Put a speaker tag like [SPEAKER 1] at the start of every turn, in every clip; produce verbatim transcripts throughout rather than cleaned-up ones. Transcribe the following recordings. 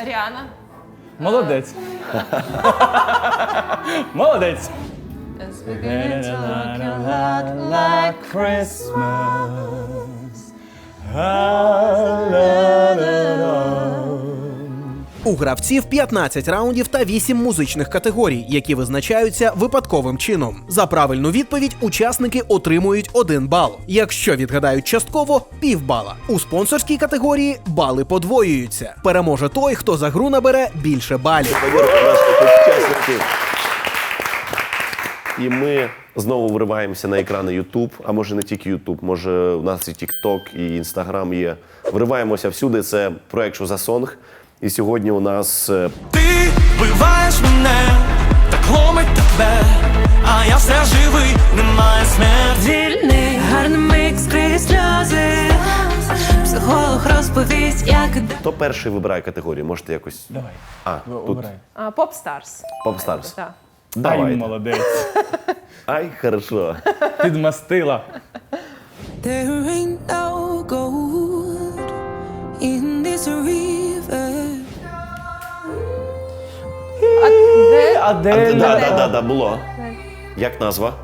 [SPEAKER 1] Ріана.
[SPEAKER 2] Молодець. Молодець.
[SPEAKER 1] It's beginning to look a lot like
[SPEAKER 2] Christmas.
[SPEAKER 3] У гравців п'ятнадцять раундів та вісім музичних категорій, які визначаються випадковим чином. За правильну відповідь учасники отримують один бал. Якщо відгадають частково – півбала. У спонсорській категорії бали подвоюються. Переможе той, хто за гру набере більше балів.
[SPEAKER 4] І ми знову вриваємося на екрани YouTube, а може не тільки YouTube, може у нас і TikTok, і Instagram є. Вриваємося всюди, це проект «Що за сонг». І сьогодні у нас...
[SPEAKER 5] Ти вбиваєш мене, так ломить тебе, а я все живий, немає смерті.
[SPEAKER 6] Вільний, гарний микс крізь сльози, психолог розповість, як...
[SPEAKER 4] Хто перший вибирає категорію? Можете якось...
[SPEAKER 2] Давай,
[SPEAKER 4] А, тут
[SPEAKER 2] обирай.
[SPEAKER 1] Поп-старс.
[SPEAKER 4] Поп-старс.
[SPEAKER 1] Так.
[SPEAKER 2] Ай,
[SPEAKER 4] Давайте.
[SPEAKER 2] молодець.
[SPEAKER 4] Ай, хорошо.
[SPEAKER 2] Підмастила.
[SPEAKER 6] There ain't no gold in this river.
[SPEAKER 1] Де?
[SPEAKER 2] Адель.
[SPEAKER 4] Да, да, да, да, було. Як назва?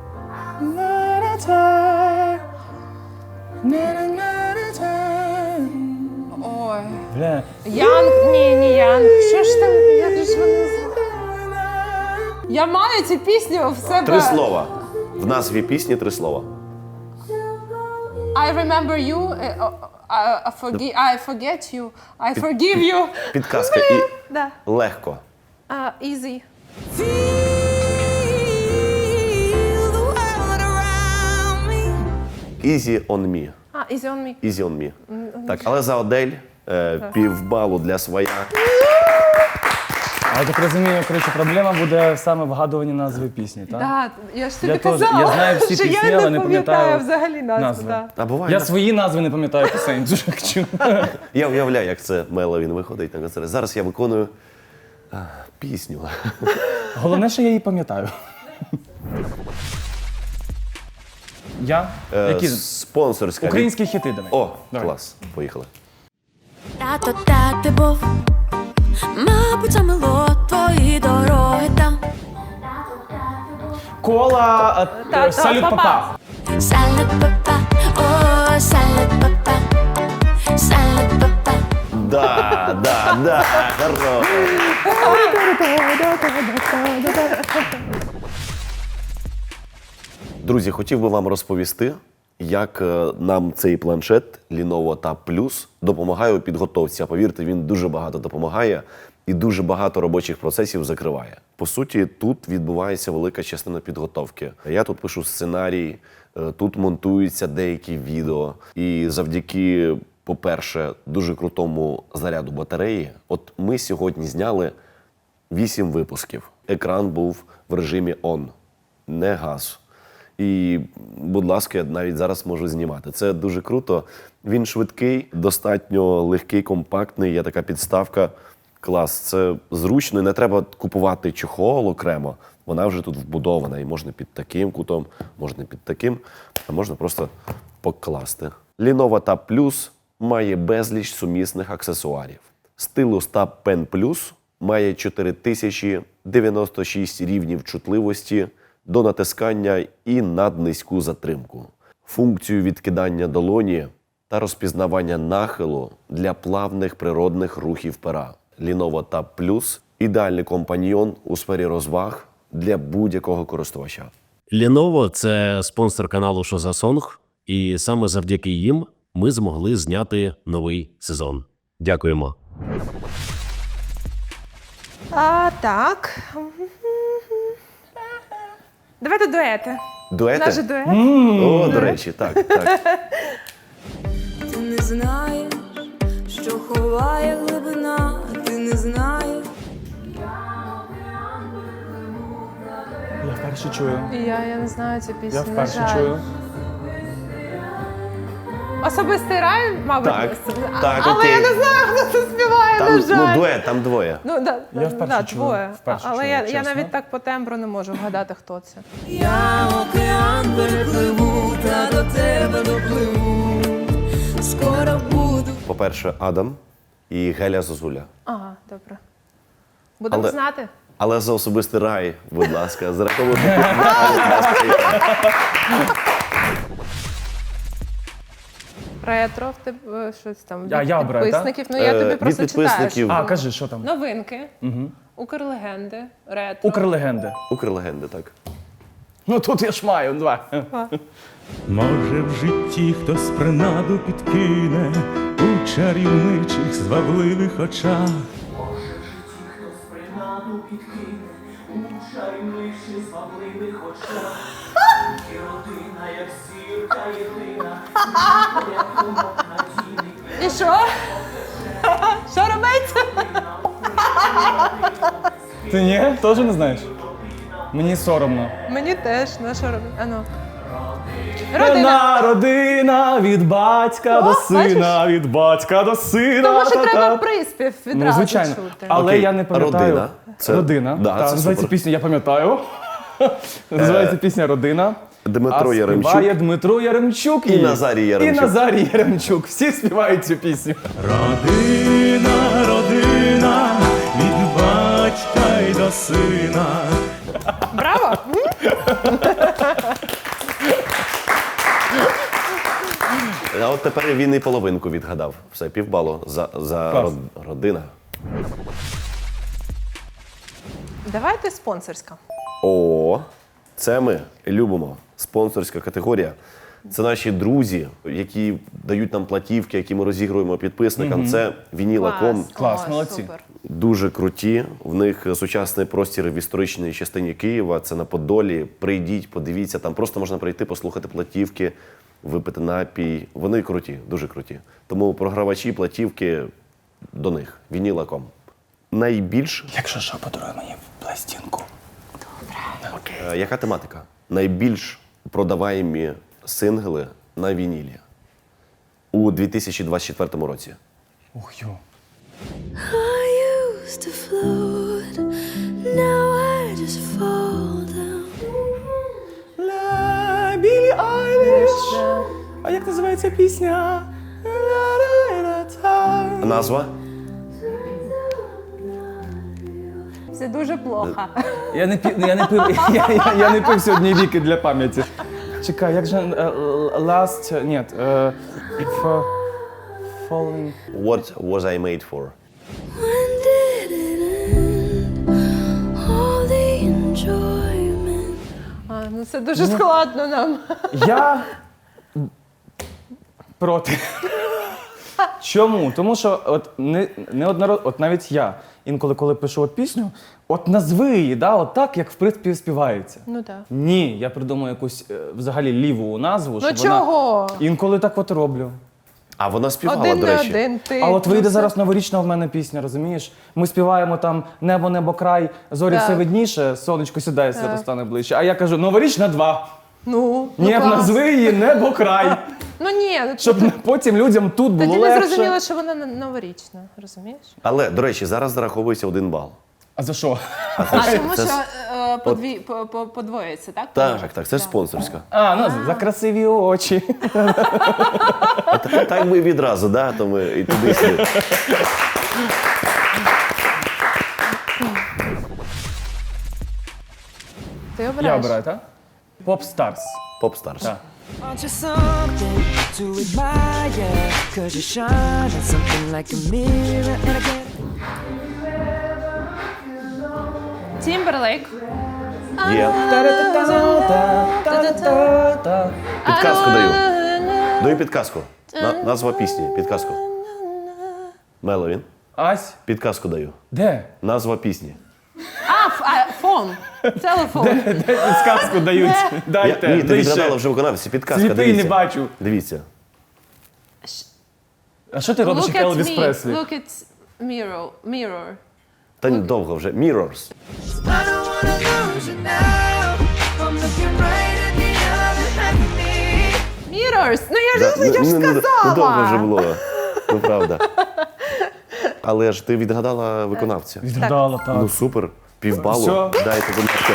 [SPEAKER 1] Ой.
[SPEAKER 2] Бля.
[SPEAKER 1] Янг, ні, не Янг. Що ж там, як же ж вони називають? Я маю цю пісню в себе.
[SPEAKER 4] Три слова. В назві пісні три слова.
[SPEAKER 1] I remember you, е, о, I, I, forgi- I forget you, I forgive you.
[SPEAKER 4] Підказка і
[SPEAKER 1] Да.
[SPEAKER 4] легко.
[SPEAKER 1] Uh, easy.
[SPEAKER 6] Feel the world around me.
[SPEAKER 4] Easy on me.
[SPEAKER 1] А, easy on me.
[SPEAKER 4] Easy on me. Так, але за Адель е, півбалу для своя.
[SPEAKER 2] А я так розумію, коротше, проблема буде саме вгадуванні назви пісні, так?
[SPEAKER 1] Да, я ж тобі
[SPEAKER 2] Я теж-
[SPEAKER 1] казала,
[SPEAKER 2] я знаю всі
[SPEAKER 1] що
[SPEAKER 2] пісні,
[SPEAKER 1] я
[SPEAKER 2] але
[SPEAKER 1] не
[SPEAKER 2] не
[SPEAKER 1] пам'ятаю
[SPEAKER 2] пам'ятаю
[SPEAKER 1] взагалі назву.
[SPEAKER 2] назви.
[SPEAKER 1] Да.
[SPEAKER 4] А буває,
[SPEAKER 2] Я
[SPEAKER 4] на-
[SPEAKER 2] свої назви не пам'ятаю пісень, дуже хочу.
[SPEAKER 4] я уявляю, як це Мело він виходить на концерт. Зараз я виконую а, пісню.
[SPEAKER 2] Головне, що я її пам'ятаю. Я?
[SPEAKER 4] Е,
[SPEAKER 2] Які?
[SPEAKER 4] Спонсорська. від-
[SPEAKER 2] Українські хіти давай.
[SPEAKER 4] О,
[SPEAKER 2] Давай.
[SPEAKER 4] клас. Поїхали.
[SPEAKER 6] Тато, так ти був, мабуть, замило твої дороги там.
[SPEAKER 2] Кола, а,
[SPEAKER 1] Та-
[SPEAKER 2] е, салют
[SPEAKER 1] та-
[SPEAKER 2] папа.
[SPEAKER 6] Салют папа, о, салют папа, салют папа.
[SPEAKER 4] Да, да, да, хорошо. Друзі, хотів би вам розповісти, як е, нам цей планшет Lenovo Tab Plus допомагає у підготовці. А повірте, він дуже багато допомагає і дуже багато робочих процесів закриває. По суті, тут відбувається велика частина підготовки. Я тут пишу сценарій, е, тут монтуються деякі відео. І завдяки, по-перше, дуже крутому заряду батареї, от ми сьогодні зняли вісім випусків. Екран був в режимі on, не газ. І, будь ласка, я навіть зараз можу знімати. Це дуже круто. Він швидкий, достатньо легкий, компактний. Є така підставка. Клас. Це зручно. І не треба купувати чохол окремо. Вона вже тут вбудована. І можна під таким кутом, можна під таким, а можна просто покласти. Lenovo Tab Plus має безліч сумісних аксесуарів. Стилус Tab Pen Plus має чотири тисячі дев'яносто шість рівнів чутливості до натискання і наднизьку затримку, функцію відкидання долоні та розпізнавання нахилу для плавних природних рухів пера. Lenovo Tab Plus – ідеальний компаньйон у сфері розваг для будь-якого користувача.
[SPEAKER 7] Lenovo – це спонсор каналу «Що за сонг», і саме завдяки їм ми змогли зняти новий сезон. Дякуємо.
[SPEAKER 1] А, так. Давайте дуети.
[SPEAKER 4] Дуети?
[SPEAKER 1] Наш дует.
[SPEAKER 4] О, до речі, так, так.
[SPEAKER 6] Ти не знаєш, що ховає глибина, ти не знаєш.
[SPEAKER 2] Я вперше чую.
[SPEAKER 1] Я, я не знаю цю пісню.
[SPEAKER 2] Я
[SPEAKER 1] на
[SPEAKER 2] вперше
[SPEAKER 1] жаль.
[SPEAKER 2] чую.
[SPEAKER 1] Особистий рай, мабуть.
[SPEAKER 4] Так,
[SPEAKER 1] А-
[SPEAKER 4] так,
[SPEAKER 1] але
[SPEAKER 4] окей.
[SPEAKER 1] я не знаю, хто це співає,
[SPEAKER 4] Там,
[SPEAKER 1] на жаль.
[SPEAKER 4] ну, дует, там двоє.
[SPEAKER 1] Ну, да,
[SPEAKER 2] Я вперше
[SPEAKER 1] да,
[SPEAKER 2] чую,
[SPEAKER 1] двоє.
[SPEAKER 2] вперше
[SPEAKER 1] Але
[SPEAKER 2] чую,
[SPEAKER 1] я, я
[SPEAKER 2] чесно.
[SPEAKER 1] навіть так по тембру не можу вгадати, хто це.
[SPEAKER 6] Я океан перепливу, та до тебе допливу. Скоро буду.
[SPEAKER 4] По-перше, Адам. і Геля Зозуля.
[SPEAKER 1] Ага, добре. Будемо
[SPEAKER 4] Але-
[SPEAKER 1] знати.
[SPEAKER 4] Але за особистий рай, будь ласка, зараховуйте п'ятнадцять разів.
[SPEAKER 1] Ретро, в тебе щось там від
[SPEAKER 2] А, я обираю, так?
[SPEAKER 1] підписників. Ну, я
[SPEAKER 4] Е,
[SPEAKER 1] тобі
[SPEAKER 4] від
[SPEAKER 1] просто
[SPEAKER 4] підписників.
[SPEAKER 1] читаю.
[SPEAKER 2] А,
[SPEAKER 1] що-
[SPEAKER 2] кажи, що там?
[SPEAKER 1] Новинки, Укрлегенди, ретро.
[SPEAKER 2] Укрлегенди.
[SPEAKER 4] Укрлегенди, так.
[SPEAKER 2] Ну тут я ж маю два.
[SPEAKER 8] Може, в житті хтось принаду підкине у чарівничих звабливих очах.
[SPEAKER 1] І що? Що робиться?
[SPEAKER 2] Ти ні? Теж не знаєш? Мені соромно.
[SPEAKER 1] Мені теж, ну що робити? А ну. Родина.
[SPEAKER 2] Родина, родина, від батька
[SPEAKER 1] О,
[SPEAKER 2] до сина,
[SPEAKER 1] бачиш?
[SPEAKER 2] від батька до сина.
[SPEAKER 1] Тому що
[SPEAKER 2] та-та.
[SPEAKER 1] треба приспів
[SPEAKER 2] Ну,
[SPEAKER 1] відразу
[SPEAKER 2] звичайно.
[SPEAKER 1] чути.
[SPEAKER 2] Але
[SPEAKER 4] Окей,
[SPEAKER 2] я не пам'ятаю.
[SPEAKER 4] родина. Це-
[SPEAKER 2] Родина.
[SPEAKER 4] Да,
[SPEAKER 2] Так,
[SPEAKER 4] це
[SPEAKER 2] називається
[SPEAKER 4] супер.
[SPEAKER 2] пісня, я пам'ятаю. Називається пісня Родина.
[SPEAKER 4] Дмитро
[SPEAKER 2] а
[SPEAKER 4] Яремчук.
[SPEAKER 2] співає Дмитро Яремчук
[SPEAKER 4] І Назарій Яремчук.
[SPEAKER 2] І Назарій Яремчук. Всі співають цю пісню.
[SPEAKER 8] Родина, родина, від батька й до сина.
[SPEAKER 1] Браво!
[SPEAKER 4] А от тепер він і половинку відгадав. Все, півбалу за, за
[SPEAKER 2] Клас.
[SPEAKER 4] род- родина.
[SPEAKER 1] Давайте спонсорська.
[SPEAKER 4] О, це ми любимо. Спонсорська категорія. Це наші друзі, які дають нам платівки, які ми розігруємо підписникам. Це Вінілаком.
[SPEAKER 2] Клас,
[SPEAKER 1] О,
[SPEAKER 2] молодці.
[SPEAKER 1] Супер.
[SPEAKER 4] Дуже круті. В них сучасний простір в історичній частині Києва. Це на Подолі. Прийдіть, подивіться. Там просто можна прийти, послухати платівки, випити напій. Вони круті, дуже круті. Тому програвачі платівки до них. Вінілаком. Найбільш
[SPEAKER 2] Якщо що, подаруй мені пластинку.
[SPEAKER 4] Е, яка тематика? Найбільш продаваємі сингли на вінілі у дві тисячі двадцять четвертому році.
[SPEAKER 2] Ух, йо.
[SPEAKER 6] I used to float, now I just fall down.
[SPEAKER 2] Ла, Білі Айліш. А як називається пісня?
[SPEAKER 4] Назва?
[SPEAKER 1] Це дуже плохо.
[SPEAKER 2] Я не пів, я не пив, я, я, я не пив сьогодні віки для пам'яті. Чекай, як же е, last, ні, е, f- falling.
[SPEAKER 4] What was I made for?
[SPEAKER 6] When did it end? All the enjoyment.
[SPEAKER 1] А, ну це дуже складно нам.
[SPEAKER 2] Я проти. Чому? Тому що от не, неодноразово, от навіть я інколи, коли пишу от пісню, от назви її, да, от так, як в принципі співається.
[SPEAKER 1] Ну так.
[SPEAKER 2] Ні, я придумаю якусь е, взагалі ліву назву.
[SPEAKER 1] Ну
[SPEAKER 2] щоб
[SPEAKER 1] чого?
[SPEAKER 2] Вона... Інколи так от роблю.
[SPEAKER 4] А вона співала,
[SPEAKER 1] Один
[SPEAKER 4] до
[SPEAKER 1] на
[SPEAKER 4] речі.
[SPEAKER 1] один ти.
[SPEAKER 2] А от
[SPEAKER 1] Ну,
[SPEAKER 2] вийде
[SPEAKER 1] все.
[SPEAKER 2] зараз новорічна в мене пісня, розумієш? Ми співаємо там небо, небо, край, зорі
[SPEAKER 1] Так.
[SPEAKER 2] все видніше, сонечко сідає, свято стане ближче. А я кажу, новорічна два.
[SPEAKER 1] Ну, ну
[SPEAKER 2] Ні,
[SPEAKER 1] клас.
[SPEAKER 2] назви її небо, край.
[SPEAKER 1] Ну ні, ну,
[SPEAKER 2] Щоб
[SPEAKER 1] тоді-
[SPEAKER 2] потім людям тут було
[SPEAKER 1] тоді не
[SPEAKER 2] легше.
[SPEAKER 1] зрозуміло, що вона н- новорічна, розумієш?
[SPEAKER 4] Але, до речі, зараз зараховується один бал.
[SPEAKER 2] А за що?
[SPEAKER 1] А тому
[SPEAKER 4] це
[SPEAKER 1] що
[SPEAKER 4] с-
[SPEAKER 1] е, подві, по, по, подвоїться, так?
[SPEAKER 4] Так, так, це спонсорська.
[SPEAKER 2] А, ну за красиві очі.
[SPEAKER 4] Так ми відразу, да, то ми і туди сюди.
[SPEAKER 1] Ти
[SPEAKER 2] Я
[SPEAKER 1] обираєш.
[SPEAKER 2] обираю, так? Pop Stars.
[SPEAKER 4] Поп-старс.
[SPEAKER 2] Так.
[SPEAKER 9] Want you something to admire, cause you shine at something like a mirror and again.
[SPEAKER 1] Тімберлейк.
[SPEAKER 4] Є.
[SPEAKER 2] Та-та-та-та-та-та.
[SPEAKER 4] Підказку даю. Даю підказку. На, назва пісні. Підказку. Меловін.
[SPEAKER 2] Ась,
[SPEAKER 4] Підказку даю.
[SPEAKER 2] де?
[SPEAKER 4] Назва пісні.
[SPEAKER 1] А, ф- а, фон. Телефон.
[SPEAKER 2] Де підказку дають?
[SPEAKER 4] Я,
[SPEAKER 2] Дайте.
[SPEAKER 4] ні, ти
[SPEAKER 2] дай
[SPEAKER 4] відгадала
[SPEAKER 2] ще.
[SPEAKER 4] вже виконавці. Підказка,
[SPEAKER 2] Сліпий
[SPEAKER 4] дивіться.
[SPEAKER 2] не бачу.
[SPEAKER 4] Дивіться.
[SPEAKER 2] А що ти робиш,
[SPEAKER 1] Look
[SPEAKER 2] як
[SPEAKER 1] at
[SPEAKER 2] Елвіс
[SPEAKER 1] me.
[SPEAKER 2] Преслі?
[SPEAKER 1] Look at mirror. Mirror.
[SPEAKER 4] Та ні, довго вже. Mirrors.
[SPEAKER 6] I don't wanna lose you now. I'm looking right at the other half of me.
[SPEAKER 1] Mirrors. Ну я
[SPEAKER 4] Да,
[SPEAKER 1] ж, я ж
[SPEAKER 4] ну, ну, ну,
[SPEAKER 1] сказала.
[SPEAKER 4] довго вже було. Ну, правда. Але ж ти відгадала виконавця.
[SPEAKER 2] Відгадала, так.
[SPEAKER 4] Ну супер. Півбалу.
[SPEAKER 2] Все.
[SPEAKER 4] Дайте, будь ласка.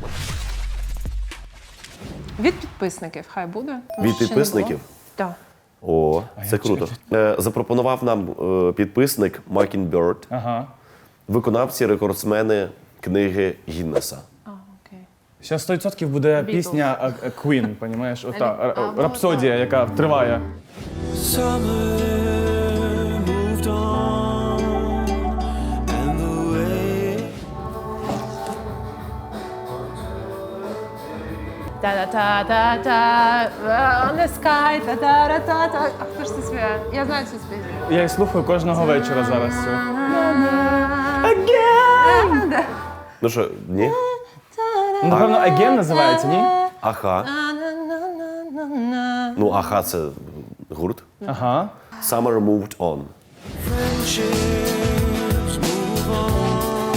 [SPEAKER 1] Від підписників хай буде. тому
[SPEAKER 4] Від
[SPEAKER 1] що ще не
[SPEAKER 4] підписників?
[SPEAKER 1] було. Так.
[SPEAKER 4] О, це круто. Е, Запропонував нам е, підписник Mockingbird,
[SPEAKER 2] Ага.
[SPEAKER 4] виконавці, рекордсмени книги Гіннеса.
[SPEAKER 1] А, окей.
[SPEAKER 2] Зараз сто відсотків буде
[SPEAKER 1] Beatles.
[SPEAKER 2] пісня а, а, Queen, понімаєш? Ота,
[SPEAKER 1] А,
[SPEAKER 2] р-
[SPEAKER 1] ну,
[SPEAKER 2] рапсодія, яка триває.
[SPEAKER 5] Summer moved on, and the way
[SPEAKER 1] Та-та-та-та-та, on the sky, та-та-та-та. А хто ж це співає? Я знаю цю пісню.
[SPEAKER 2] Я її слухаю кожного вечора зараз. цю.
[SPEAKER 4] Ну що, ні?
[SPEAKER 2] Ну, напевно, Again називається, ні?
[SPEAKER 4] Аха. Ну, аха, це гурт.
[SPEAKER 2] Ага.
[SPEAKER 4] Summer moved on.
[SPEAKER 5] friendships move on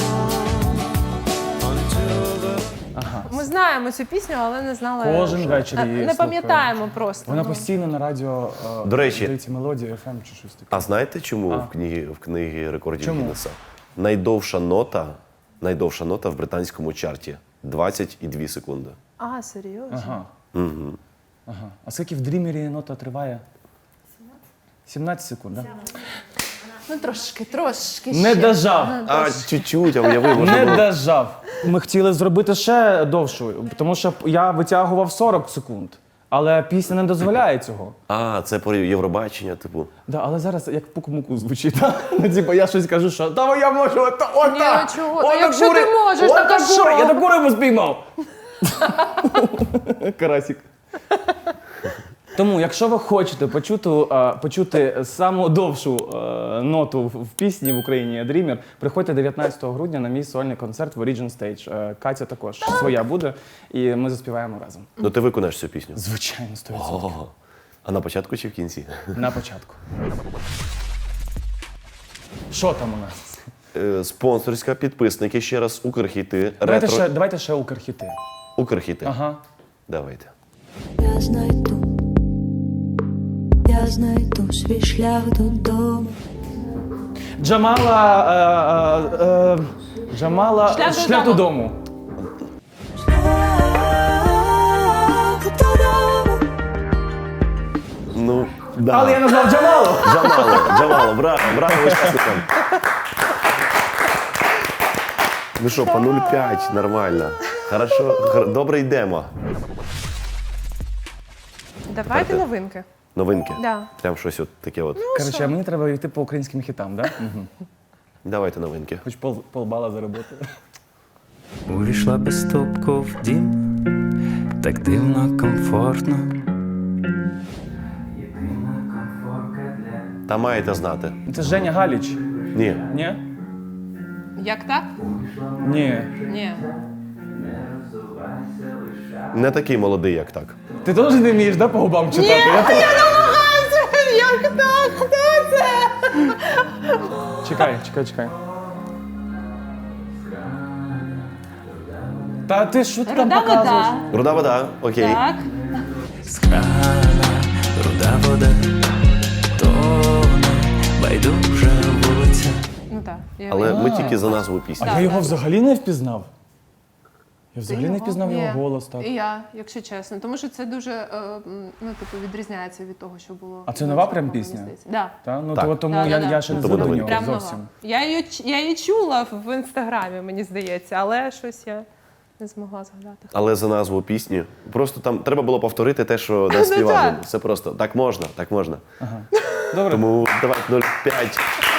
[SPEAKER 5] until the
[SPEAKER 1] Ми знаємо цю пісню, але не знали.
[SPEAKER 2] Кожен
[SPEAKER 1] що-
[SPEAKER 2] вечір
[SPEAKER 1] Е,
[SPEAKER 2] її
[SPEAKER 1] Не
[SPEAKER 2] слухаю.
[SPEAKER 1] пам'ятаємо просто.
[SPEAKER 2] Вона
[SPEAKER 1] ну.
[SPEAKER 2] постійно на радіо е,
[SPEAKER 4] До речі-
[SPEAKER 2] здається, мелодія еф ем чи щось таке.
[SPEAKER 4] А знаєте, чому
[SPEAKER 2] А.
[SPEAKER 4] в книгі, в книгі рекордів
[SPEAKER 2] Чому?
[SPEAKER 4] Гіннеса? Найдовша нота, найдовша нота в британському чарті двадцять дві секунди.
[SPEAKER 1] А, серйозно?
[SPEAKER 2] Ага. Угу. Ага. А скільки в дрімері нота триває? сімнадцять секунд, так?
[SPEAKER 1] Ну трошки, трошки
[SPEAKER 2] Не
[SPEAKER 1] ще.
[SPEAKER 2] дожав.
[SPEAKER 1] Ну,
[SPEAKER 4] А,
[SPEAKER 1] трошки.
[SPEAKER 4] чуть-чуть, а уяви, може
[SPEAKER 2] Не
[SPEAKER 4] було.
[SPEAKER 2] дожав. Ми хотіли зробити ще довшу, тому що я витягував сорок секунд. Але пісня не дозволяє цього.
[SPEAKER 4] А, це про Євробачення, типу.
[SPEAKER 2] Да, але зараз як пук-муку звучить. так? Ну, типу, я щось кажу, що та я можу ота, ота,
[SPEAKER 1] Ні, ну чого? Та
[SPEAKER 2] ота
[SPEAKER 1] якщо
[SPEAKER 2] кури-
[SPEAKER 1] ти можеш,
[SPEAKER 2] ота
[SPEAKER 1] так а що?
[SPEAKER 2] кури- Я таку рибу спіймав. Карасик. Тому, якщо ви хочете почути, е, почути саму довшу е, ноту в в пісні в Україні Dreamer, приходьте дев'ятнадцятого грудня на мій сольний концерт в Origin Stage. Е, Катя також своя буде, і ми заспіваємо разом.
[SPEAKER 4] Ну ти виконаєш цю пісню.
[SPEAKER 2] Звичайно, сто відсотків.
[SPEAKER 4] О, а на початку чи в кінці?
[SPEAKER 2] На початку. Що там у нас?
[SPEAKER 4] Е, Спонсорська, підписники, ще раз, Укрхіти,
[SPEAKER 2] Давайте
[SPEAKER 4] ретро.
[SPEAKER 2] ще, давайте ще Укрхіти.
[SPEAKER 4] Укрхіти.
[SPEAKER 2] Ага.
[SPEAKER 4] Давайте.
[SPEAKER 10] Я знайду, я знайду свій шлях додому.
[SPEAKER 2] Джамала. Е, е, е, Джамала.
[SPEAKER 1] Шлях
[SPEAKER 2] Шлях
[SPEAKER 1] додому.
[SPEAKER 2] додому.
[SPEAKER 10] Шлях додому.
[SPEAKER 4] Ну, да.
[SPEAKER 2] Але я назвав Джамалу.
[SPEAKER 4] Джамало, Джамало, браво, браво учасникам. Ну що, по нуль п'ять, нормально. Хорошо, хар- добре йдемо.
[SPEAKER 1] Давайте новинки.
[SPEAKER 4] Новинки.
[SPEAKER 1] Да.
[SPEAKER 4] Прям щось от таке от.
[SPEAKER 2] Коротше, а мені треба йти по українським хітам, так? Да? Угу.
[SPEAKER 4] Давайте новинки.
[SPEAKER 2] Хоч пол, полбала заробити.
[SPEAKER 8] Увійшла без стуку в дім, так дивно, комфортно.
[SPEAKER 4] Та маєте знати.
[SPEAKER 2] Це Женя Галіч.
[SPEAKER 4] Ні.
[SPEAKER 2] Ні?
[SPEAKER 1] Як так?
[SPEAKER 2] Ні.
[SPEAKER 1] Ні.
[SPEAKER 4] Не такий молодий, як так.
[SPEAKER 2] Ти теж не вмієш, да, по губам читати? Я теж.
[SPEAKER 1] Як так? Хто це?
[SPEAKER 2] Чекай, чекай, чекай. Та ти що ти там
[SPEAKER 1] Руда
[SPEAKER 2] показуєш?
[SPEAKER 1] вода.
[SPEAKER 4] Руда вода, окей.
[SPEAKER 1] Так.
[SPEAKER 8] З крана руда вода, тоне байдужа вулиця.
[SPEAKER 1] Ну так. я
[SPEAKER 4] Але ми
[SPEAKER 2] А.
[SPEAKER 4] тільки за назву пісні.
[SPEAKER 2] А я його взагалі не впізнав. Я взагалі не
[SPEAKER 1] його?
[SPEAKER 2] впізнав
[SPEAKER 1] Ні.
[SPEAKER 2] його голос, так.
[SPEAKER 1] І я, якщо чесно. Тому що це дуже, е, м, ну, типу, відрізняється від того, що було.
[SPEAKER 2] А це
[SPEAKER 1] на
[SPEAKER 2] нова
[SPEAKER 1] початку,
[SPEAKER 2] прям
[SPEAKER 1] мені
[SPEAKER 2] пісня?
[SPEAKER 1] здається. Да.
[SPEAKER 2] Та? Ну,
[SPEAKER 4] Так.
[SPEAKER 2] то, тому
[SPEAKER 1] Да,
[SPEAKER 2] я,
[SPEAKER 1] да, да.
[SPEAKER 2] я ще не
[SPEAKER 4] Тому
[SPEAKER 2] звик до
[SPEAKER 4] новинка.
[SPEAKER 2] нього
[SPEAKER 1] Прям
[SPEAKER 2] зовсім.
[SPEAKER 1] нова. Я її, ч- я її чула в інстаграмі, мені здається, але щось я не змогла згадати.
[SPEAKER 4] Але за назву пісні. Просто там треба було повторити те, що не
[SPEAKER 1] Ну,
[SPEAKER 4] співали.
[SPEAKER 1] так.
[SPEAKER 4] Це просто так можна, так можна.
[SPEAKER 2] Добре.
[SPEAKER 4] Тому давай нуль п'ять.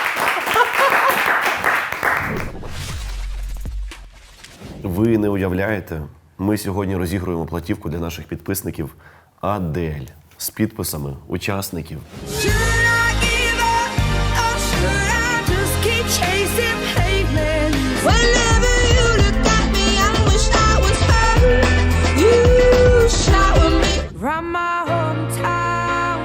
[SPEAKER 4] Ви не уявляєте, ми сьогодні розігруємо платівку для наших підписників Адель з підписами учасників.
[SPEAKER 6] Should I give up or should I just keep chasing pavements? Whenever you look at me, I wish I was her. You shower me from my hometown,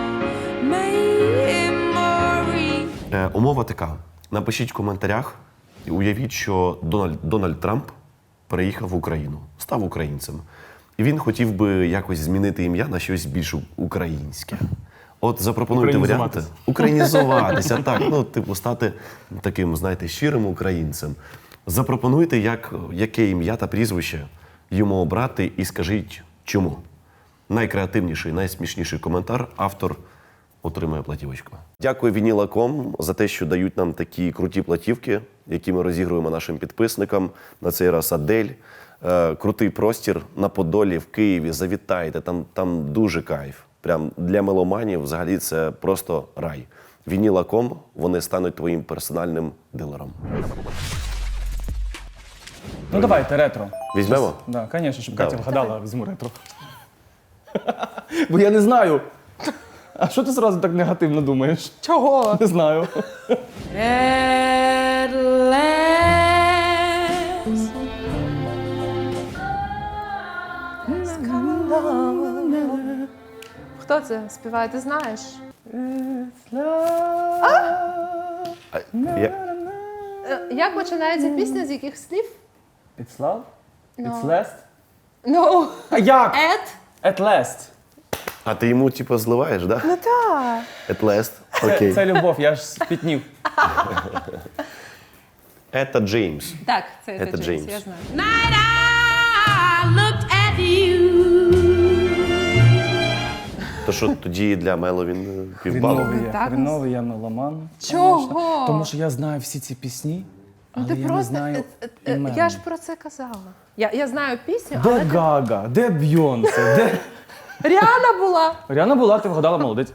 [SPEAKER 6] memory.
[SPEAKER 4] Е, умова така. Напишіть в коментарях і уявіть, що Дональд, Дональд Трамп переїхав в Україну, став українцем. І він хотів би якось змінити ім'я на щось більш українське. От запропонуйте варіанти.
[SPEAKER 2] Українізуватися.
[SPEAKER 4] Українізуватися, так. Ну, типу, стати таким, знаєте, щирим українцем. Запропонуйте, як, яке ім'я та прізвище йому обрати, і скажіть, чому. Найкреативніший, найсмішніший коментар автор отримує платівочку. Дякую Вініла точка ком за те, що дають нам такі круті платівки, які ми розігруємо нашим підписникам. На цей раз Адель. Е, крутий простір на Подолі в Києві. Завітайте, там, там дуже кайф. Прям для меломанів взагалі це просто рай. Вініла точка ком, вони стануть твоїм персональним дилером.
[SPEAKER 2] Ну давайте, ретро.
[SPEAKER 4] Візьмемо?
[SPEAKER 2] Так, да, звісно, щоб
[SPEAKER 4] Давай.
[SPEAKER 2] Катя вгадала, візьму ретро. Бо я не знаю. А що ти зразу так негативно думаєш?
[SPEAKER 1] Чого?
[SPEAKER 2] Не знаю.
[SPEAKER 1] Хто це співає, ти знаєш?
[SPEAKER 4] А, я...
[SPEAKER 1] Е, Як починається пісня, з яких слів?
[SPEAKER 2] It's love? It's
[SPEAKER 1] No.
[SPEAKER 2] last?
[SPEAKER 1] Ну,
[SPEAKER 2] А як?
[SPEAKER 1] Ed?
[SPEAKER 2] At last.
[SPEAKER 4] А ти йому типу зливаєш, да?
[SPEAKER 1] Ну так.
[SPEAKER 4] At last.
[SPEAKER 2] Це,
[SPEAKER 4] Окей.
[SPEAKER 2] це любов, я ж спітнів.
[SPEAKER 4] Ета Джеймс.
[SPEAKER 1] Так, це,
[SPEAKER 4] Це
[SPEAKER 1] це Джеймс,
[SPEAKER 4] Джеймс.
[SPEAKER 1] я знаю.
[SPEAKER 6] Night I looked at you.
[SPEAKER 4] То що тоді для Мело він е, півбалу?
[SPEAKER 2] Хріновий я,
[SPEAKER 1] Так,
[SPEAKER 2] хріновий я меломан.
[SPEAKER 1] Чого?
[SPEAKER 2] конечно. Тому що я знаю всі ці пісні, але
[SPEAKER 1] Ну, ти
[SPEAKER 2] я не
[SPEAKER 1] просто,
[SPEAKER 2] знаю
[SPEAKER 1] е, е,
[SPEAKER 2] імен.
[SPEAKER 1] я ж про це казала. Я, я знаю пісню,
[SPEAKER 2] Де
[SPEAKER 1] але ти-
[SPEAKER 2] Гага, де Бйонсе, де...
[SPEAKER 1] Ріана була.
[SPEAKER 2] Ріана була, ти вгадала, молодець.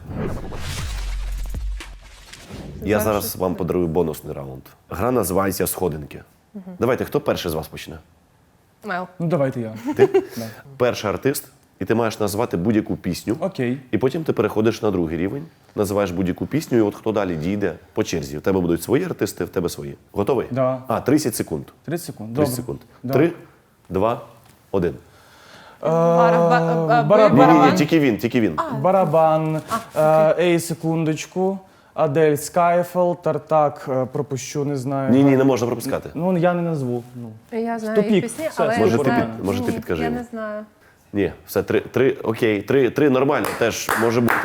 [SPEAKER 4] Я зараз вам подарую бонусний раунд. Гра називається «Сходинки». Давайте, хто перший з вас почне?
[SPEAKER 1] Мел.
[SPEAKER 2] Ну давайте я.
[SPEAKER 4] Ти? Перший артист, і ти маєш назвати будь-яку пісню.
[SPEAKER 2] Окей.
[SPEAKER 4] І потім ти переходиш на другий рівень, називаєш будь-яку пісню, і от хто далі дійде по черзі. У тебе будуть свої артисти, в тебе свої. Готовий?
[SPEAKER 2] Да.
[SPEAKER 4] А, тридцять секунд.
[SPEAKER 2] тридцять секунд.
[SPEAKER 4] тридцять
[SPEAKER 2] Добре.
[SPEAKER 4] секунд.
[SPEAKER 2] Да.
[SPEAKER 4] Три, два, один.
[SPEAKER 1] Бара- ба- ба-
[SPEAKER 2] барабан.
[SPEAKER 4] Ні, ні, ні,
[SPEAKER 1] барабан.
[SPEAKER 4] тільки він, тільки він.
[SPEAKER 2] Барабан, е, ей, секундочку, Адель Скайфел, Тартак, е, пропущу, не знаю.
[SPEAKER 4] Ні, ні, не можна пропускати.
[SPEAKER 2] Ну, я не назву. Ну.
[SPEAKER 1] Я знаю
[SPEAKER 2] Тупік.
[SPEAKER 1] їх пісні,
[SPEAKER 2] Все,
[SPEAKER 1] але
[SPEAKER 2] може,
[SPEAKER 1] я
[SPEAKER 2] ти
[SPEAKER 1] не знаю.
[SPEAKER 2] під-
[SPEAKER 4] може, ти
[SPEAKER 1] Ні,
[SPEAKER 4] підкажи
[SPEAKER 1] Я
[SPEAKER 4] йому.
[SPEAKER 1] не знаю.
[SPEAKER 4] Ні, все, три, три, окей, три, три нормально, теж може бути.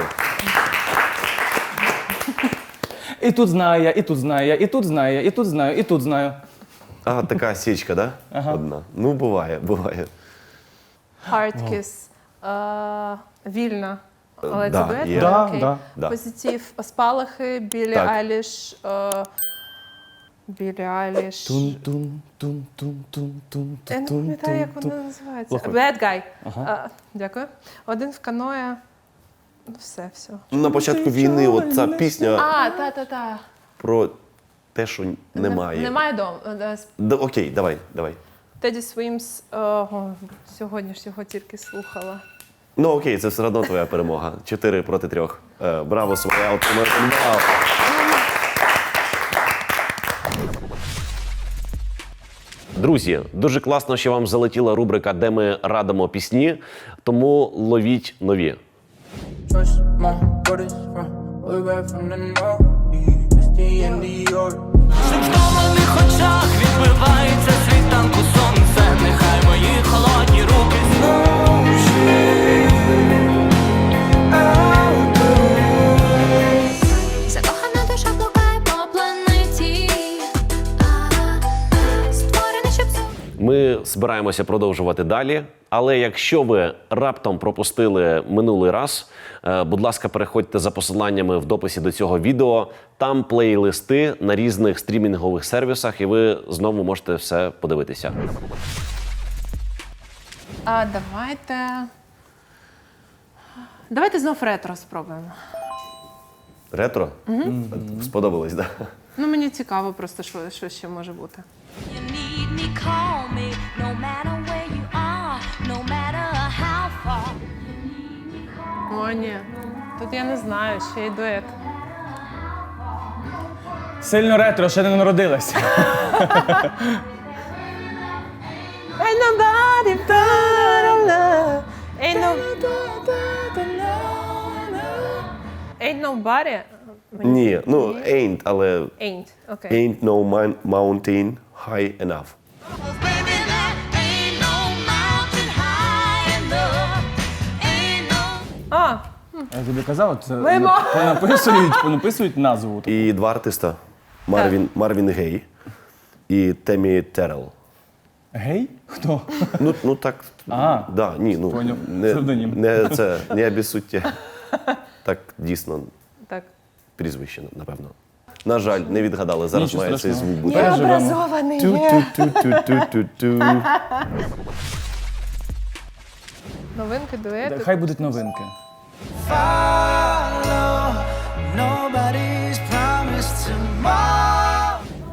[SPEAKER 2] І тут знаю я, і тут знаю я, і тут знаю я, і тут знаю, і тут знаю.
[SPEAKER 4] А, така січка, да?
[SPEAKER 2] Ага.
[SPEAKER 4] Одна. Ну, буває, буває.
[SPEAKER 1] Hard Kiss. Е, Вільна. Але
[SPEAKER 4] да,
[SPEAKER 1] це дует?
[SPEAKER 4] є.
[SPEAKER 2] Да,
[SPEAKER 1] Окей.
[SPEAKER 2] да.
[SPEAKER 4] Да.
[SPEAKER 1] Позитив. Спалахи, Білі
[SPEAKER 4] Так.
[SPEAKER 1] Айліш. е, Білі Айліш.
[SPEAKER 2] Тун тун тун тун тун тун
[SPEAKER 1] Я не
[SPEAKER 2] тун
[SPEAKER 1] пам'ятаю, як
[SPEAKER 2] тун
[SPEAKER 1] вона називається.
[SPEAKER 2] Плохо.
[SPEAKER 1] Bad Guy. Е, Дякую. Один в каное. Ну, все, все.
[SPEAKER 4] На початку війни от ця пісня
[SPEAKER 1] А, та-та-та.
[SPEAKER 4] про те, що немає.
[SPEAKER 1] Немає дому.
[SPEAKER 4] Да, окей, давай, давай.
[SPEAKER 1] Теді Свімс. е, о, Сьогодні ж його тільки слухала.
[SPEAKER 4] Ну окей, це все одно твоя перемога. Чотири проти трьох. Е, браво, своя отримує бал. Друзі, дуже класно, що вам залетіла рубрика, де ми радимо пісні, тому ловіть нові.
[SPEAKER 9] Trust my brothers from way back from the north. It's the end of your.
[SPEAKER 5] Цим втомлених очах відбивається світанку сонце. Нехай мої холодні руки
[SPEAKER 6] Закохана душа блукає по планеті. А, створений, щоб зу-
[SPEAKER 4] Ми збираємося продовжувати далі. Але якщо ви раптом пропустили минулий раз, е, будь ласка, переходьте за посиланнями в дописі до цього відео. Там плейлисти на різних стрімінгових сервісах, і ви знову можете все подивитися.
[SPEAKER 1] А давайте. Давайте знов ретро спробуємо.
[SPEAKER 4] Ретро? Сподобалось, так? Да?
[SPEAKER 1] Ну, мені цікаво просто, що, що ще може бути.
[SPEAKER 6] You need me, call me, no matter where you are, no matter how far.
[SPEAKER 1] О, ні. Тут я не знаю, ще й дует.
[SPEAKER 2] Сильно ретро, ще не народилась.
[SPEAKER 1] Ain't nobody but love. Ain't no... Ain't nobody.
[SPEAKER 4] Ні, ну, ain't, але
[SPEAKER 1] Ain't. Окей.
[SPEAKER 4] ain't no man- mountain high enough.
[SPEAKER 6] Baby, that ain't no mountain high enough. Ain't no.
[SPEAKER 1] А,
[SPEAKER 2] Я тобі казав, це
[SPEAKER 1] Мимо.
[SPEAKER 2] понаписують, понаписують назву.
[SPEAKER 4] І два артиста. Марвін, Марвін Гей і Темі Террел.
[SPEAKER 2] Гей? Хто?
[SPEAKER 4] Ну, ну так,
[SPEAKER 2] А,
[SPEAKER 4] да, ні, ну,
[SPEAKER 2] поняв.
[SPEAKER 4] не,
[SPEAKER 2] Псевдонім.
[SPEAKER 4] не, це, не обіссудьте. Так, дійсно, прізвище, напевно. На жаль, не відгадали. Зараз
[SPEAKER 2] Нічого
[SPEAKER 4] має цей
[SPEAKER 2] страшного.
[SPEAKER 4] звук бути.
[SPEAKER 2] Переживемо.
[SPEAKER 1] Необразований.
[SPEAKER 4] Ту-ту-ту-ту-ту-ту.
[SPEAKER 1] Новинки, дуети.
[SPEAKER 2] Хай будуть новинки.
[SPEAKER 5] Follow, nobody's promised tomorrow.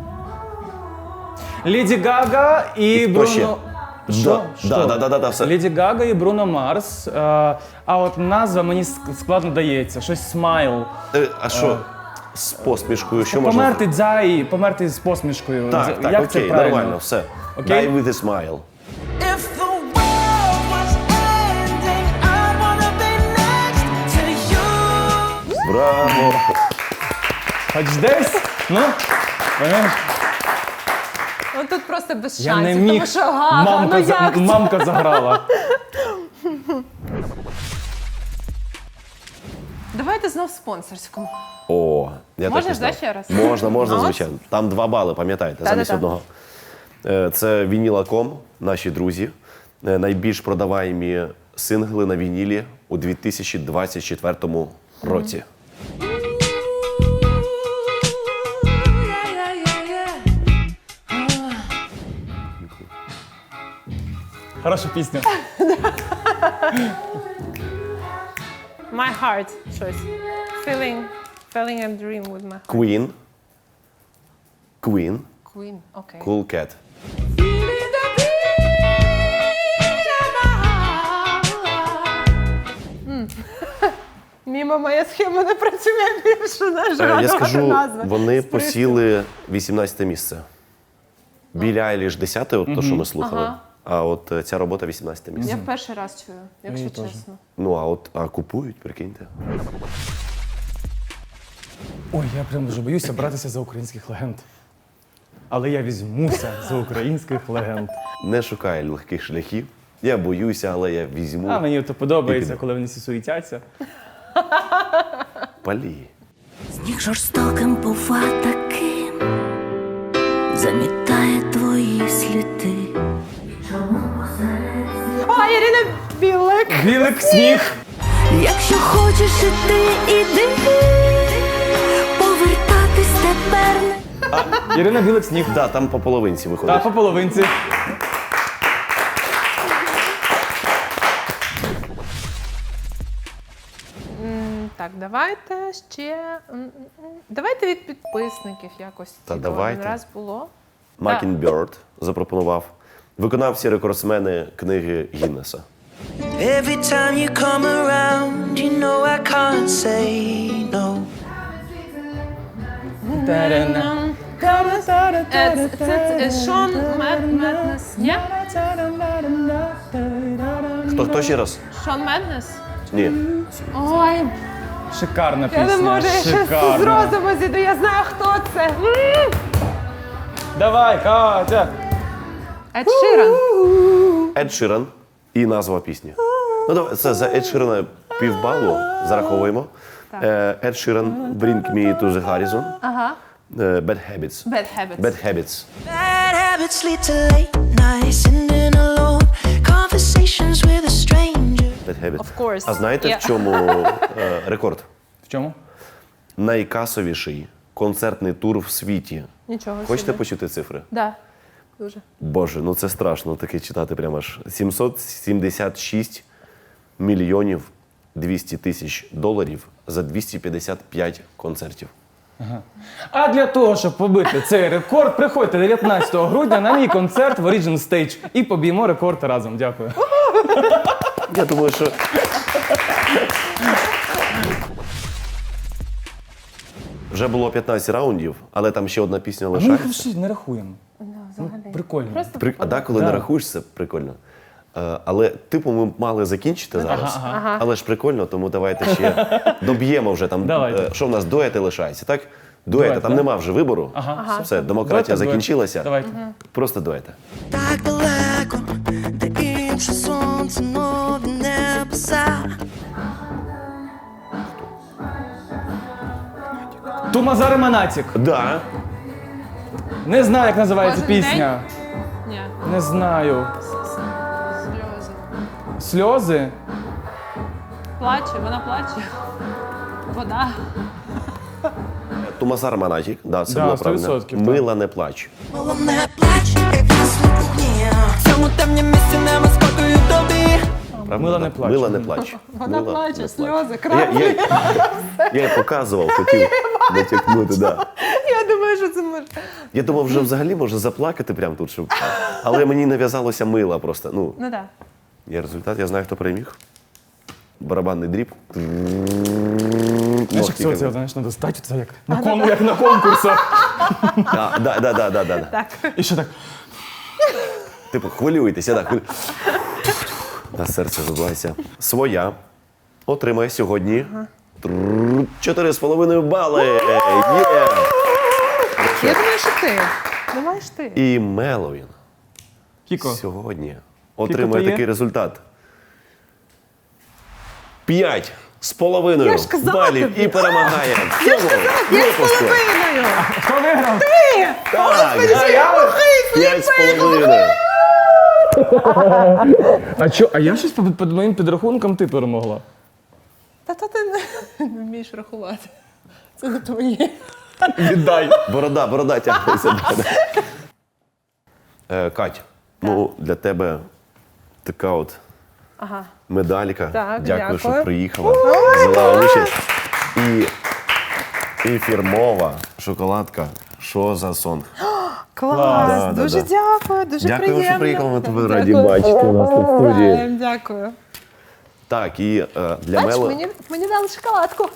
[SPEAKER 2] Леді Гага і
[SPEAKER 4] хто
[SPEAKER 2] Бруно...
[SPEAKER 4] ще?
[SPEAKER 2] Що?
[SPEAKER 4] Да,
[SPEAKER 2] Що?
[SPEAKER 4] да, да, да, да, да, все.
[SPEAKER 2] Леді Гага і Бруно Марс. Е, а от назва мені ск- складно дається. Щось смайл.
[SPEAKER 4] Е, А що? З посмішкою, що можна?
[SPEAKER 2] Померти дзай, померти з посмішкою.
[SPEAKER 4] Так,
[SPEAKER 2] З-
[SPEAKER 4] так,
[SPEAKER 2] Як це
[SPEAKER 4] окей,
[SPEAKER 2] правильно?
[SPEAKER 4] нормально, все.
[SPEAKER 2] Окей?
[SPEAKER 4] Die with a smile.
[SPEAKER 5] If the world was ending, I'd wanna be next to you.
[SPEAKER 4] Браво!
[SPEAKER 2] Хоч десь, ну, понимаєш?
[SPEAKER 1] Ну тут просто без
[SPEAKER 2] Я
[SPEAKER 1] шансів,
[SPEAKER 2] не міг.
[SPEAKER 1] тому що Гага,
[SPEAKER 2] мамка,
[SPEAKER 1] ну
[SPEAKER 2] за-
[SPEAKER 1] як це?
[SPEAKER 2] мамка заграла.
[SPEAKER 1] Давайте знов спонсорську.
[SPEAKER 4] О, я
[SPEAKER 1] Можеш,
[SPEAKER 4] так і знав.
[SPEAKER 1] да, ще раз?
[SPEAKER 4] Можна, можна,
[SPEAKER 1] Ну,
[SPEAKER 4] звичайно. Там два бали, пам'ятаєте,
[SPEAKER 1] Та-та-та.
[SPEAKER 4] замість одного. Е, Це Vinyl точка com, наші друзі. Е, Найбільш продаваємі сингли на вінілі у дві тисячі двадцять четвертому році.
[SPEAKER 2] Хороша пісня.
[SPEAKER 1] My heart, щось. Feeling, feeling a dream with my heart.
[SPEAKER 4] Queen. Queen.
[SPEAKER 1] Queen, окей.
[SPEAKER 4] Cool Cat.
[SPEAKER 1] Мімо, моя схема не працює більше, на
[SPEAKER 4] Е,
[SPEAKER 1] жаль.
[SPEAKER 4] Я скажу,
[SPEAKER 1] назва.
[SPEAKER 4] вони
[SPEAKER 1] Спритно.
[SPEAKER 4] посіли вісімнадцяте місце. Білі Айліш десяте, от то, що ми слухали.
[SPEAKER 1] Ага.
[SPEAKER 4] А от е, ця робота вісімнадцяте місце.
[SPEAKER 1] Я в перший раз чую, якщо чесно.
[SPEAKER 4] Ну, а от а купують, прикиньте.
[SPEAKER 2] Ой, я прям дуже боюся братися за українських легенд. Але я візьмуся за українських легенд.
[SPEAKER 4] Не шукаю легких шляхів. Я боюся, але я візьму.
[SPEAKER 2] А мені то подобається,
[SPEAKER 4] піду.
[SPEAKER 2] коли вони всі суетяться.
[SPEAKER 4] Палі.
[SPEAKER 10] Сніг жорстоким бува таким, замітає твої сліди.
[SPEAKER 1] О, Ірина Білик!
[SPEAKER 2] Білик, сніг!
[SPEAKER 10] Якщо хочеш іти, іди, повертатись тепер не.
[SPEAKER 2] Ірина Білик, сніг.
[SPEAKER 4] Да, там по половинці виходить.
[SPEAKER 2] Та по половинці.
[SPEAKER 1] М, Так, давайте ще. м, м, м, Давайте від підписників якось.
[SPEAKER 4] Та
[SPEAKER 1] типу,
[SPEAKER 4] давайте.
[SPEAKER 1] один раз було.
[SPEAKER 4] Mockingbird запропонував. Виконавці рекордсмени книги Гіннеса.
[SPEAKER 5] Every time you come around, you know I can't say no.
[SPEAKER 1] Е, Це, це, це Шон Мед- Меднес. Ні?
[SPEAKER 4] Хто, хто ще раз?
[SPEAKER 1] Шон Меднес?
[SPEAKER 4] Ні.
[SPEAKER 1] Ой,
[SPEAKER 2] Шикарна
[SPEAKER 1] я
[SPEAKER 2] пісня.
[SPEAKER 1] не можу, я щас з
[SPEAKER 2] Шикарна.
[SPEAKER 1] розуму зійду, я знаю, хто це. М!
[SPEAKER 2] Давай, Катя!
[SPEAKER 1] Ед Ширан.
[SPEAKER 4] Ед Ширан і назва пісні. Ну, давай, це за Ед Ширана півбалу зараховуємо. Е, Ед Ширан, Bring Me to the Horizon.
[SPEAKER 1] Ага.
[SPEAKER 4] Е, Bad Habits.
[SPEAKER 1] Bad Habits.
[SPEAKER 4] Bad Habits.
[SPEAKER 5] Bad habits lead to late nights, sitting alone, conversations with a stranger.
[SPEAKER 4] Bad Habits.
[SPEAKER 1] Of course.
[SPEAKER 4] А знаєте,
[SPEAKER 1] Yeah.
[SPEAKER 4] в чому е, рекорд?
[SPEAKER 2] В чому?
[SPEAKER 4] Найкасовіший концертний тур в світі.
[SPEAKER 1] Нічого
[SPEAKER 4] Хочете
[SPEAKER 1] собі.
[SPEAKER 4] почути цифри?
[SPEAKER 1] Да. Дуже.
[SPEAKER 4] Боже, ну це страшно таке читати прямо аж. сімсот сімдесят шість мільйонів двісті тисяч доларів за двісті п'ятдесят п'ять концертів.
[SPEAKER 2] А для того, щоб побити цей рекорд, приходьте дев'ятнадцятого грудня на мій концерт в Origin Stage і поб'ємо рекорд разом. Дякую.
[SPEAKER 4] Я думаю, що. Вже було п'ятнадцять раундів, але там ще одна пісня
[SPEAKER 2] А ми їх
[SPEAKER 4] лишається.
[SPEAKER 2] ще не рахуємо. Ну, прикольно.
[SPEAKER 1] Просто
[SPEAKER 4] При... А да, коли
[SPEAKER 2] Да.
[SPEAKER 4] не рахуєш, це прикольно. Е, але, типу, ми мали закінчити зараз.
[SPEAKER 2] Ага,
[SPEAKER 1] ага.
[SPEAKER 4] Але ж прикольно, тому давайте ще доб'ємо вже там.
[SPEAKER 2] Давайте.
[SPEAKER 4] е, Що в нас дуети лишається, так? Дуети,
[SPEAKER 2] Дует,
[SPEAKER 4] там
[SPEAKER 2] да.
[SPEAKER 4] нема вже вибору.
[SPEAKER 2] Ага.
[SPEAKER 4] Все, демократія
[SPEAKER 2] Дует, дует.
[SPEAKER 4] закінчилася.
[SPEAKER 2] Давайте.
[SPEAKER 4] Просто дуети.
[SPEAKER 5] Так далеко, де інше сонце нове небеса.
[SPEAKER 2] Тумазар Монатік.
[SPEAKER 4] Да.
[SPEAKER 2] Не знаю, як називається
[SPEAKER 1] Кожен
[SPEAKER 2] пісня.
[SPEAKER 1] Ні.
[SPEAKER 2] Не знаю.
[SPEAKER 1] Сльози.
[SPEAKER 2] Сльози?
[SPEAKER 1] Плаче, вона плаче. Вода.
[SPEAKER 4] Тумазар Манатік, да, це
[SPEAKER 2] Да,
[SPEAKER 4] було
[SPEAKER 2] сто
[SPEAKER 4] правильно.
[SPEAKER 2] відсотків, так.
[SPEAKER 4] Мила не плач.
[SPEAKER 6] Мила не плач, як гасло вогні. В цьому темні місці нема спокою тобі.
[SPEAKER 4] Правда?
[SPEAKER 2] Мила
[SPEAKER 4] Да.
[SPEAKER 2] не плач.
[SPEAKER 4] Мила не плач.
[SPEAKER 1] Вона
[SPEAKER 4] Мила
[SPEAKER 1] плаче,
[SPEAKER 4] не
[SPEAKER 1] сльози,
[SPEAKER 4] плач.
[SPEAKER 1] краплі.
[SPEAKER 4] Я, я, я показував, хотів натякнути, да.
[SPEAKER 1] Я думаю, що це може.
[SPEAKER 4] Я думав, вже взагалі може заплакати прямо тут, щоб... але мені нав'язалося мила просто. Ну,
[SPEAKER 1] Ну так.
[SPEAKER 4] є результат, я знаю, хто переміг. Барабанний дріб.
[SPEAKER 2] Знаєш, як
[SPEAKER 4] Ногті,
[SPEAKER 2] це, це, знаєш, треба стати це як на, кон, як на конкурсах.
[SPEAKER 4] Да, да, да, да, да, да.
[SPEAKER 1] Так.
[SPEAKER 2] І ще так.
[SPEAKER 4] Типу, хвилюйтеся, так. Хвилю... На серце забувайся. Своя отримає сьогодні чотири з половиною бали. Є!
[SPEAKER 1] Я думаю, що ти. Думаєш ти.
[SPEAKER 4] І Меловін
[SPEAKER 2] Кіко.
[SPEAKER 4] сьогодні
[SPEAKER 2] то
[SPEAKER 4] отримує
[SPEAKER 2] є?
[SPEAKER 4] такий результат. П'ять з половиною
[SPEAKER 1] Я ж казала
[SPEAKER 4] балів
[SPEAKER 1] тобі.
[SPEAKER 4] і перемагає в
[SPEAKER 1] Я ж
[SPEAKER 4] цьому
[SPEAKER 1] казала, п'ять з
[SPEAKER 4] випуску.
[SPEAKER 1] половиною.
[SPEAKER 2] Хто виграв?
[SPEAKER 4] Так, п'ять з половиною.
[SPEAKER 2] А що, а я щось по, по моїм підрахункам ти перемогла.
[SPEAKER 1] Та то ти не- не вмієш рахувати. Це не твоє.
[SPEAKER 2] Віддай.
[SPEAKER 4] Борода, борода тягнеться. Е, Кать, ну для тебе така от
[SPEAKER 1] Ага.
[SPEAKER 4] медалька.
[SPEAKER 1] Так,
[SPEAKER 4] дякую, що
[SPEAKER 1] дякую.
[SPEAKER 4] приїхала. Взяла участь. І, і фірмова шоколадка. Що за сонг?
[SPEAKER 1] Клас,
[SPEAKER 4] Да, да,
[SPEAKER 1] дуже
[SPEAKER 4] да.
[SPEAKER 1] дякую, дуже
[SPEAKER 4] Дякую,
[SPEAKER 1] приємно.
[SPEAKER 4] що приїхала, ми тебе
[SPEAKER 1] Дякую.
[SPEAKER 4] раді бачити у нас тут в студії.
[SPEAKER 1] Ем, Дякую.
[SPEAKER 4] Так, і е, для
[SPEAKER 1] Бач,
[SPEAKER 4] Мело...
[SPEAKER 1] мені, мені дали шоколадку.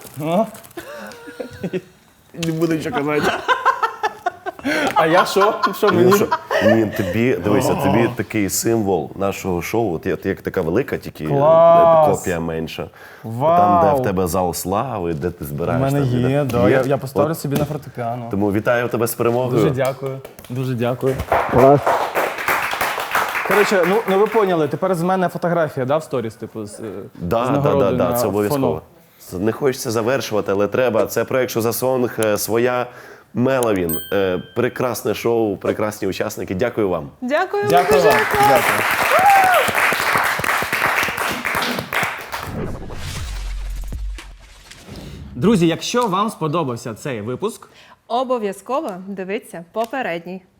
[SPEAKER 2] Не буду нічого казати. А я що? Що
[SPEAKER 4] Ну,
[SPEAKER 2] мені?
[SPEAKER 4] що? Ні, тобі, дивися, тобі такий символ нашого шоу. От, от як така велика, тільки е,
[SPEAKER 2] Клас!
[SPEAKER 4] копія менша.
[SPEAKER 2] Вау!
[SPEAKER 4] Там, де в тебе зал слави, де ти
[SPEAKER 2] У
[SPEAKER 4] збираєш.
[SPEAKER 2] мене
[SPEAKER 4] там,
[SPEAKER 2] є,
[SPEAKER 4] де-
[SPEAKER 2] да. Я, я
[SPEAKER 4] От,
[SPEAKER 2] поставлю собі на фортепіано.
[SPEAKER 4] Тому вітаю тебе з перемогою.
[SPEAKER 2] Дуже дякую. Дуже дякую. Клас. Коротше, ну, ну ви поняли, тепер з мене фотографія, да, в сторіс, типу, з, е,
[SPEAKER 4] Да,
[SPEAKER 2] з
[SPEAKER 4] да, да,
[SPEAKER 2] нагородою
[SPEAKER 4] да,
[SPEAKER 2] на
[SPEAKER 4] це обов'язково.
[SPEAKER 2] фоно.
[SPEAKER 4] Не хочеться завершувати, але треба. Це проект «Що за сонг», е, своя Меловін. Е, Прекрасне шоу, прекрасні учасники. Дякую вам.
[SPEAKER 1] Дякую.
[SPEAKER 2] Дякую
[SPEAKER 1] дуже
[SPEAKER 2] вам.
[SPEAKER 1] клас.
[SPEAKER 2] Дякую. Друзі, якщо вам сподобався цей випуск,
[SPEAKER 1] Обов'язково дивіться попередній.